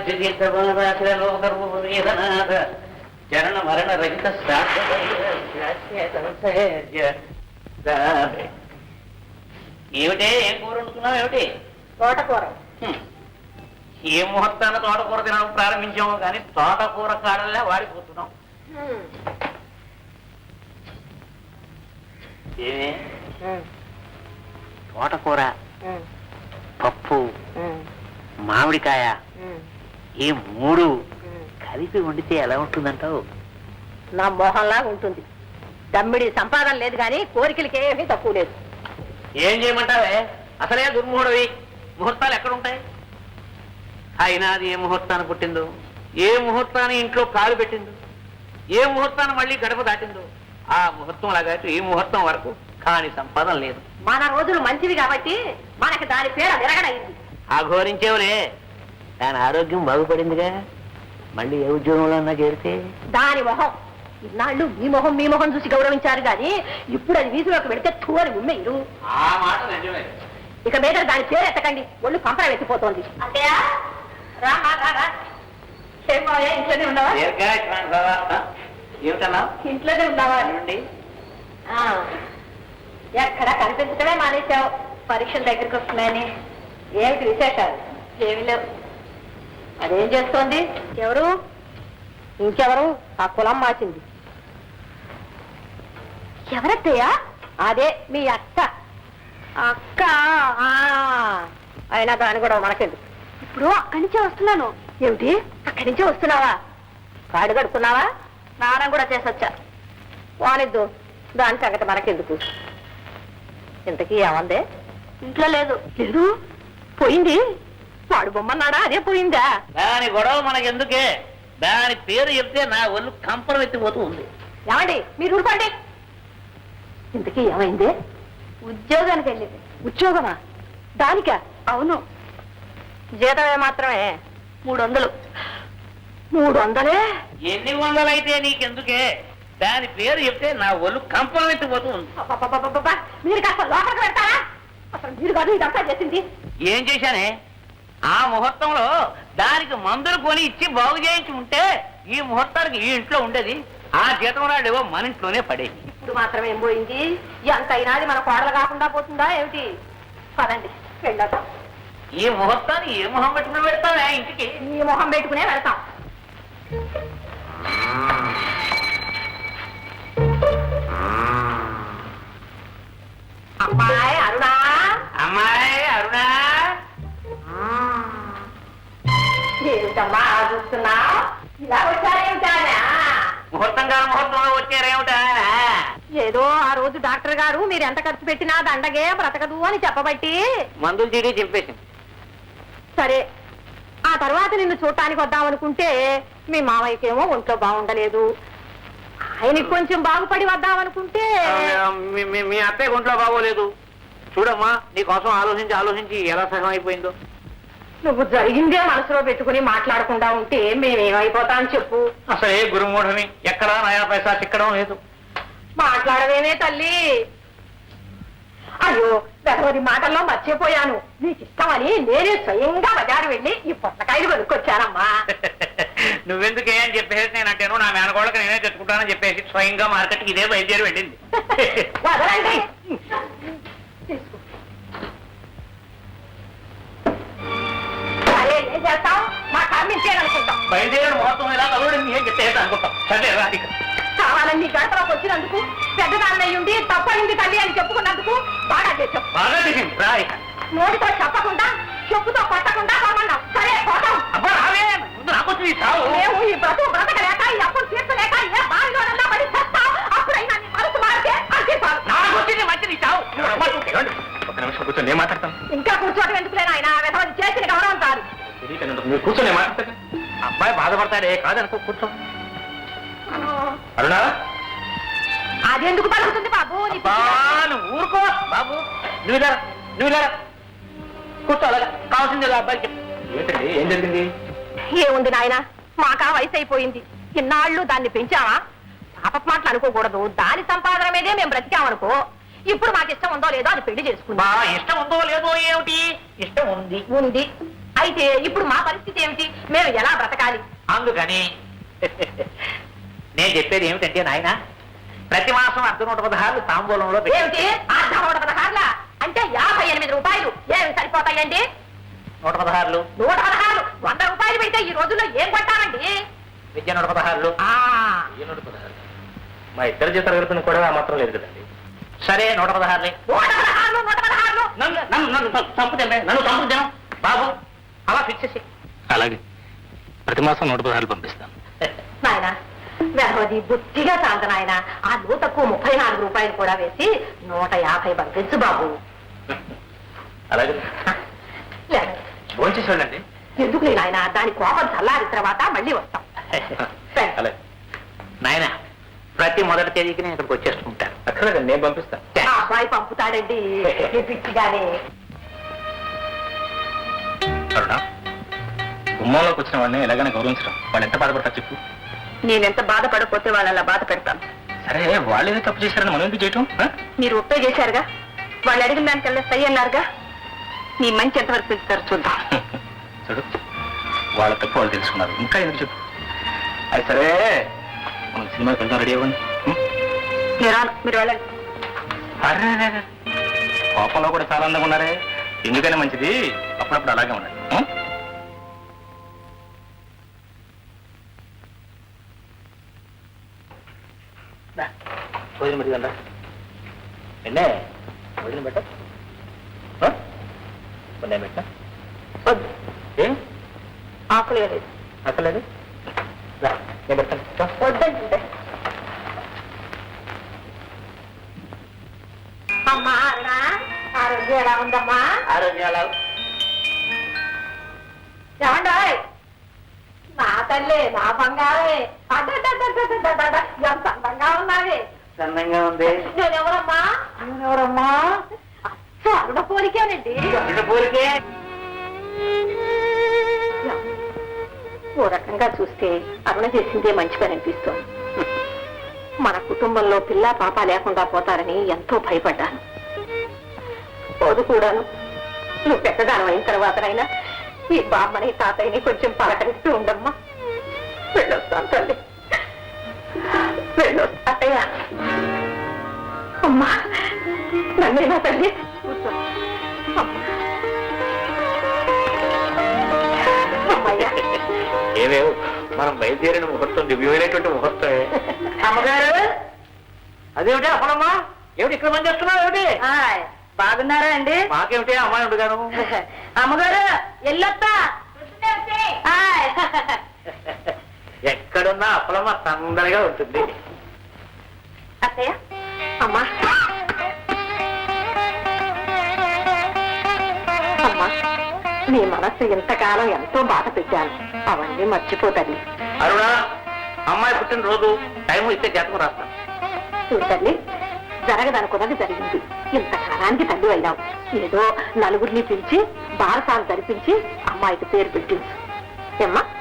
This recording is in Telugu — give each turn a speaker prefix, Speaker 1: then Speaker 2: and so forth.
Speaker 1: చరణ మరణ రహిత ఏమిటే ఏం కూర వండుకున్నావు ఏమిటి?
Speaker 2: తోటకూర.
Speaker 1: ఏ ముహూర్తాన్ని తోటకూర తినడం ప్రారంభించాము కానీ తోటకూర కాడల్లా వాడిపోతున్నాం. ఏమే తోటకూర, పప్పు, మామిడికాయ ఈ మూడు కలిపి వండితే ఎలా ఉంటుందంటావు?
Speaker 2: నా మోహంలాగా ఉంటుంది. దమ్మిడి సంపాదన లేదు కానీ కోరికలకి ఏమీ తక్కువ లేదు.
Speaker 1: ఏం చేయమంటావే? అసలే దుర్ముహూర్తవి. ముహూర్తాలు ఎక్కడుంటాయి? అయినా అది ఏ ముహూర్తాన్ని పుట్టిందో, ఏ ముహూర్తాన్ని ఇంట్లో కాలు పెట్టిందో, ఏ ముహూర్తాన్ని మళ్ళీ గడప దాటిందో ఆ ముహూర్తం లాగా ఈ ముహూర్తం వరకు కాని సంపాదన లేదు.
Speaker 2: మన రోజులు మంచివి కాబట్టి మనకి దాని పేరు విరగడైంది.
Speaker 1: ఆఘోరించేవులే, దాని ఆరోగ్యం బాగుపడిందిగా. మళ్ళీ ఏ ఉద్యోగంలో అన్నా చేరితే
Speaker 2: దాని మొహం ఇన్నాళ్ళు మీ మొహం చూసి గౌరవించారు కానీ ఇప్పుడు అది వీధిలోకి పెడితే తూరి ఉమ్మేరు.
Speaker 1: ఆ మాట నిజమే.
Speaker 2: ఇక మీద దాని పేరు ఎత్తకండి, ఒళ్ళు కంపర వెతిపోతోంది. అంతేయా? ఇంట్లోనే ఉన్నావా?
Speaker 1: ఏమిటన్నా?
Speaker 2: ఇంట్లోనే ఉన్నావా? ఎక్కడ కనిపించడమే మానేశావు. పరీక్షల దగ్గరికి వస్తున్నాయని. ఏమిటి విశేషాలు? ఏమి లేవు. అదేం చేస్తోంది? ఎవరు? ఇంకెవరు? ఆ కులం మార్చింది. ఎవరత్తయ్యా? అదే మీ అక్క. అక్క అయినా దాని కూడా మనకెందుకు. ఇప్పుడు అక్కడి నుంచే వస్తున్నాను. ఏమిటి? అక్కడి నుంచే వస్తున్నావా? కాడు కడుక్కున్నావా? స్నానం కూడా చేసొచ్చా. వానిద్దు, దాని సంగతి మనకెందుకు. ఇంతకీ ఏమందే? ఇంట్లో లేదు. లేదు? పోయింది. వాడు బొమ్మన్నాడా? అదే పోయిందా?
Speaker 1: దాని గొడవ మనకెందుకే? దాని పేరు చెప్తే నా ఒళ్ళు కంపరం ఎత్తిపోతూ ఉంది.
Speaker 2: ఏమండి మీరు ఊరుకోండి. ఇంతకీ ఏమైంది? ఉద్యోగానికి వెళ్ళింది. ఉద్యోగమా? దానికా? అవును. జీతమే మాత్రమే 300. 300?
Speaker 1: ఎన్ని వందలైతే నీకెందుకే? దాని పేరు చెప్తే నా ఒళ్ళు కంపరం ఎత్తిపోతూ ఉంది.
Speaker 2: మీరు కాస్త లోపలికి పెడతారా? అసలు మీరు కాదు ఇదంతా చేసింది.
Speaker 1: ఏం చేశానే? ఆ ముహూర్తంలో దానికి మందులు కొని ఇచ్చి బాగు చేయించి ఉంటే ఈ ముహూర్తానికి ఈ ఇంట్లో ఉండేది. ఆ జీతం రాడేవో మన ఇంట్లోనే పడేది.
Speaker 2: ఇప్పుడు మాత్రం ఏం పోయింది? ఎంతైనా అది మన కోడలు కాకుండా పోతుందా ఏమిటి? పదండి వెళ్ళొద్దాం.
Speaker 1: ఈ ముహూర్తాన్ని ఏ మొహం పెట్టుకుని పెడతావా ఇంటికి?
Speaker 2: ఈ మొహం పెట్టుకునే వెళ్తాం. అమ్మాయి అరుణా,
Speaker 1: అమ్మాయి అరుణా,
Speaker 2: ఏమిటమ్మా చూస్తున్నా? ఇలా వచ్చారేమిటా?
Speaker 1: ముహూర్తం కాదు ముహూర్తంలో వచ్చారేమిటా?
Speaker 2: ఏదో ఆ రోజు డాక్టర్ గారు మీరు ఎంత ఖర్చు పెట్టినా దండగే బ్రతకదు అని చెప్పబట్టి
Speaker 1: మందులు చీటీ చింపేసింది.
Speaker 2: సరే, ఆ తర్వాత నిన్ను చూడటానికి వద్దామనుకుంటే మీ మామయ్యకేమో ఒంట్లో బాగుండలేదు. ఆయనకి కొంచెం బాగుపడి వద్దామనుకుంటే
Speaker 1: మీ అత్తయ్య ఒంట్లో బాగోలేదు. చూడమ్మా, నీకోసం ఆలోచించి ఎలా సగం అయిపోయిందో.
Speaker 2: నువ్వు జరిగిందే మనసులో పెట్టుకుని మాట్లాడకుండా ఉంటే మేమేమైపోతాం చెప్పు.
Speaker 1: అసలే గురుమూఢని, ఎక్కడా నయా పైసా చిక్కడం లేదు.
Speaker 2: మాట్లాడవేమే తల్లి. అయ్యో, గతవది మాటల్లో మర్చిపోయాను. నీకు ఇష్టమని నేనే స్వయంగా బజారు వెళ్ళి ఈ పొట్టకాయలు కొనుక్కొచ్చానమ్మా.
Speaker 1: నువ్వెందుకే అని చెప్పేసి నేనంటేను నా మేనగోళ్ళకి నేనే తెచ్చుకుంటానని చెప్పేసి స్వయంగా మార్కెట్కి ఇదే బయలుదేరి వెళ్ళింది.
Speaker 2: వదలండి. ఏం చేస్తాం? మా కమ్మించేయాలనుకుంటాం.
Speaker 1: బయలుదేరిన ముహూర్తం ఇలా కలుగుడింది ఏం చెప్పేసి అనుకుంటాం. సరే రాది
Speaker 2: కావాలని గడపలోకి వచ్చినందుకు, పెద్దదాన్నయ్యుండి తప్పయింది తల్లి అని చెప్పుకున్నందుకు బాగా చేసాం.
Speaker 1: బాగా చేసింది రా.
Speaker 2: నోటితో చెప్పకుండా చెప్పుతో కొట్టకుండా రమ్మన్నాం. సరే పోతాం.
Speaker 1: అబ్బా రావే, ముందు నాకొచ్చి
Speaker 2: మేము ఈ బ్రతకలేక ఈ అప్పులు తీర్చలేక ఏ బావిలోనన్నా పడి చేస్తాం. అప్పుడైనా నీ మనసు మారితే అందిస్తాం.
Speaker 1: నాకొచ్చింది మంచిది చావు. ఒక నిమిషం కూర్చొని నేను మాట్లాడతాను.
Speaker 2: ఇంకా కూర్చోటం ఎందుకులేనా? ఆయన వెధవది చేసిన గౌరవం కాదు.
Speaker 1: మీరు కూర్చొని మాట్లాడతాను. అబ్బాయి బాధపడతాడే కాదనుకో, కూర్చో. అరుణా,
Speaker 2: అదెందుకు పలుకుతుంది బాబు?
Speaker 1: ఊరుకో బాబు. నువ్వు కూర్చో. అలాగా కావాల్సింది అబ్బాయికి. ఏంటండి, ఏం జరిగింది?
Speaker 2: ఏముంది నాయన, మాకా వయసు అయిపోయింది. ఇన్నాళ్ళు దాన్ని పెంచావా? పాప మాటలు అనుకోకూడదు. దాని సంపాదన మీదే మేము బ్రతికామనుకో. ఇప్పుడు మాకు ఇష్టం ఉందో లేదో అది పెళ్లి చేసుకుందా.
Speaker 1: ఇష్టం ఉందో లేదో ఏమిటి? ఇష్టం ఉంది.
Speaker 2: ఉంది అయితే ఇప్పుడు మా పరిస్థితి ఏమిటి? మేము ఎలా బ్రతకాలి?
Speaker 1: అందుకని నేను చెప్పేది ఏమిటంటే నాయన, ప్రతి మాసం 116 తాంబూలంలో
Speaker 2: ఏమిటి 116 అంటే 58 రూపాయలు ఏమి సరిపోతాయండి?
Speaker 1: 116
Speaker 2: 116 100 రూపాయలు పెడితే ఈ రోజుల్లో ఏం కొట్టాలండి?
Speaker 1: విద్య 116
Speaker 3: మా ఇద్దరు జీతాలు కలిపిన కూడా ఆ మాత్రం లేదు కదండి.
Speaker 1: సరే 116 నన్ను చంపుతాను బాబు, అలా ఫిక్స్ చేసి.
Speaker 3: అలాగే ప్రతి మాసం 116 పంపిస్తాను.
Speaker 2: నాయన వెరవది బుద్ధిగా చాలదు నాయన. ఆ నూతకు 34 రూపాయలు కూడా వేసి 150 పంపించు బాబు.
Speaker 3: అలాగే
Speaker 2: లేదు
Speaker 3: భోంచేసి వెళ్ళండి.
Speaker 2: ఎందుకు నాయన, దాని కోపం చల్లారిన తర్వాత మళ్ళీ వస్తాం.
Speaker 3: అలాగే
Speaker 1: నాయన, ప్రతి మొదటి తేదీకి నేను ఇక్కడికి వచ్చేస్తుంటాను.
Speaker 3: అక్కర్లేదండి, నేను పంపిస్తాను.
Speaker 2: ఆ అబ్బాయి పంపుతాడండి పిచ్చిగానే.
Speaker 3: అరుణ, గుమ్మంలోకి వచ్చిన వాడిని ఎలాగైనా గౌరవించడం. వాళ్ళు ఎంత బాధపడతారు చెప్పు.
Speaker 2: నేనెంత బాధపడకపోతే వాళ్ళు అలా బాధ పెడతాను.
Speaker 3: సరే, వాళ్ళు ఏదో తప్పు చేశారని మనం ఎందుకు చేయటం?
Speaker 2: మీరు ఒప్పే చేశారుగా, వాళ్ళు అడిగిన దానికల్లా సై అన్నారుగా. నీ మంచి ఎంతవరకు పెంచుతారు చూద్దాం.
Speaker 3: చూడు, వాళ్ళ తప్పు వాళ్ళు తెలుసుకున్నారు, ఇంకా ఎందుకు చెప్పు. అది సరే, మనం సినిమాకి వెళ్దాం, రెడీ అవ్వండి.
Speaker 2: నేను రాను, మీరు వెళ్ళండి.
Speaker 3: అరే, కోపంలో కూడా చాలా అందంగా ఉన్నారే. ఎందుకైనా మంచిది అప్పుడప్పుడు అలాగే ఉండండి. భోజనం పెట్టుకుందా? ఎన్నే భోజనం పెట్ట పెట్ట
Speaker 2: వద్దు,
Speaker 3: ఏం
Speaker 2: ఆకులు లేదు.
Speaker 3: అక్కర్లేదు, నేను పెడతాను.
Speaker 2: వద్దంటే అమ్మా అరుణా, ఆరోగ్యం ఎలా ఉందమ్మా?
Speaker 1: ఆరోగ్యాలు
Speaker 2: ఏమండాయ్, నా తల్లి నా బంగారే, అడ్డ ఎంత అందంగా ఉన్నావే.
Speaker 1: అందంగా ఉంది.
Speaker 2: నేనెవరమ్మా?
Speaker 1: ఎవరమ్మా?
Speaker 2: అరుణ పోలికేనండి.
Speaker 1: పోలికే.
Speaker 2: ఓ రకంగా చూస్తే అరుణ చేసిందే మంచి పని అనిపిస్తోంది. మన కుటుంబంలో పిల్ల పాప లేకుండా పోతారని ఎంతో భయపడ్డాను. పోదు కూడాను. నువ్వు పెద్దదానం అయిన తర్వాతనైనా ఈ బామ్మని తాతయ్యని కొంచెం పలకరిస్తూ ఉండమ్మా. వెళ్ళొస్తాను తల్లి, వెళ్ళొస్తా. అత్తయ్య, అమ్మా నన్నేనా తల్లి? కూర్చో అమ్మా. అమ్మయ్యా,
Speaker 3: ఏమేవు మనం బయలుదేరిన ముహూర్తం దివ్యమైనటువంటి ముహూర్తమే.
Speaker 2: అమ్మగారు
Speaker 1: అదేమిటి అప్పుడమ్మా, ఏమిటి ఇక్కడ పని చేస్తున్నావు? ఏమిటి
Speaker 2: బాగున్నారా అండి?
Speaker 1: మాకేమిటి అమ్మాయి ఉండగాను.
Speaker 2: అమ్మగారు ఎల్లొత్తా.
Speaker 1: ఎక్కడున్నా అప్పలమ్మ తొందరగా ఉంటుంది.
Speaker 2: అత్తయ్య, అమ్మా అమ్మా, నీ మనస్సు ఇంతకాలం ఎంతో బాధ పెట్టాను, అవన్నీ మర్చిపోతండి.
Speaker 1: అరుణ, అమ్మాయి పుట్టినరోజు టైం ఇస్తే జాతకం రాస్తాను.
Speaker 2: చూడండి, జరగదనుకున్నది జరిగింది. ఇంతకాలానికి తల్లి అయినావు. ఏదో నలుగురిని పిలిచి బారసాలు జరిపించి అమ్మాయికి పేరు పెట్టించు. ఏమ్మా?